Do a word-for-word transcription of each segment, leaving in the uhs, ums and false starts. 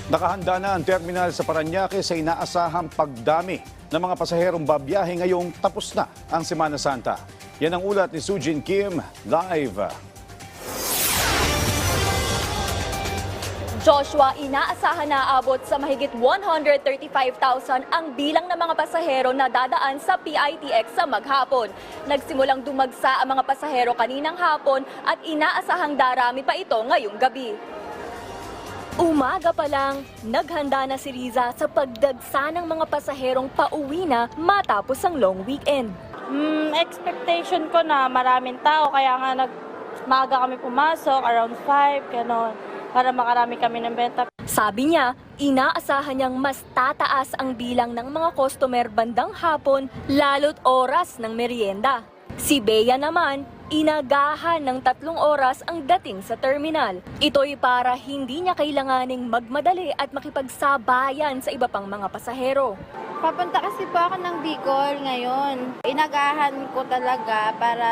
Nakahanda na ang terminal sa Parañaque sa inaasahang pagdami ng mga pasaherong babiyahe ngayong tapos na ang Semana Santa. Yan ang ulat ni Sujin Kim, live. Joshua, inaasahan na aabot sa mahigit one hundred thirty-five thousand ang bilang ng mga pasahero na dadaan sa P I T X sa maghapon. Nagsimulang dumagsa ang mga pasahero kaninang hapon at inaasahang darami pa ito ngayong gabi. Umaga pa lang, naghanda na si Riza sa pagdagsa ng mga pasaherong pauwi na matapos ang long weekend. Mm, expectation ko na maraming tao, kaya nga nag maaga kami pumasok, around five, gano'n, para makarami kami ng benta. Sabi niya, inaasahan niyang mas tataas ang bilang ng mga customer bandang hapon, lalo't oras ng merienda. Si Bea naman, inagahan ng tatlong oras ang dating sa terminal. Ito'y para hindi niya kailanganing magmadali at makipagsabayan sa iba pang mga pasahero. Papunta kasi po ako ng Bicol ngayon. Inagahan ko talaga para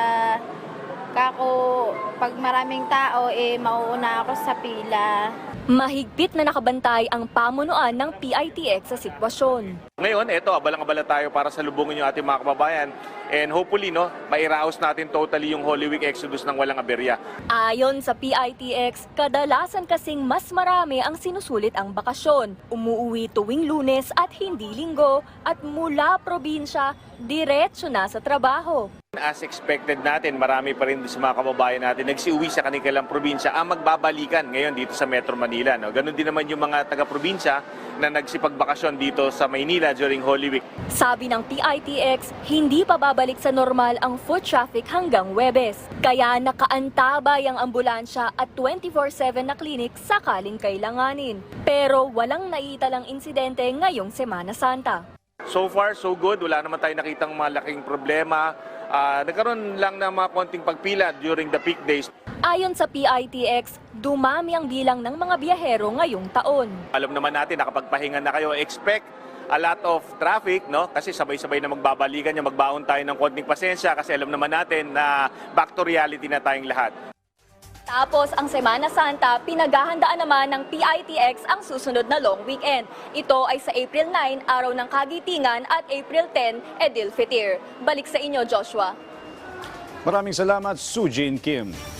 kako pag maraming tao eh mauuna ako sa pila. Mahigpit na nakabantay ang pamunuan ng P I T X sa sitwasyon. Ngayon, eto, abalang-abala tayo para salubungin yung ating mga kababayan. And hopefully, no, mairaos natin totally yung Holy Week Exodus ng walang aberya. Ayon sa P I T X, kadalasan kasing mas marami ang sinusulit ang bakasyon. Umuuwi tuwing Lunes at hindi Linggo at mula probinsya, diretso na sa trabaho. As expected natin, marami pa rin sa mga kababayan natin nagsiuwi sa kanilang probinsya ang magbabalikan ngayon dito sa Metro Manila. No? Ganon din naman yung mga taga-probinsya na nagsipagbakasyon dito sa Maynila during Holy Week. Sabi ng P I T X, hindi pa babalik sa normal ang foot traffic hanggang Huwebes. Kaya nakaantabay ang ambulansya at twenty-four seven na klinik sakaling kailanganin. Pero walang naitalang insidente ngayong Semana Santa. So far, so good. Wala naman tayo nakitang malaking problema. Uh, nagkaroon lang ng mga konting pagpila during the peak days. Ayon sa P I T X, dumami ang bilang ng mga biyahero ngayong taon. Alam naman natin, nakapagpahinga na kayo. Expect a lot of traffic, no? Kasi sabay-sabay na magbabalikan niya, magbaon tayo ng konting pasensya kasi alam naman natin na back to reality na tayong lahat. Tapos ang Semana Santa, pinaghahandaan naman ng P I T X ang susunod na long weekend. Ito ay sa April nine, Araw ng Kagitingan at April ten, Eid al-Fitr. Balik sa inyo, Joshua. Maraming salamat, Sujin Kim.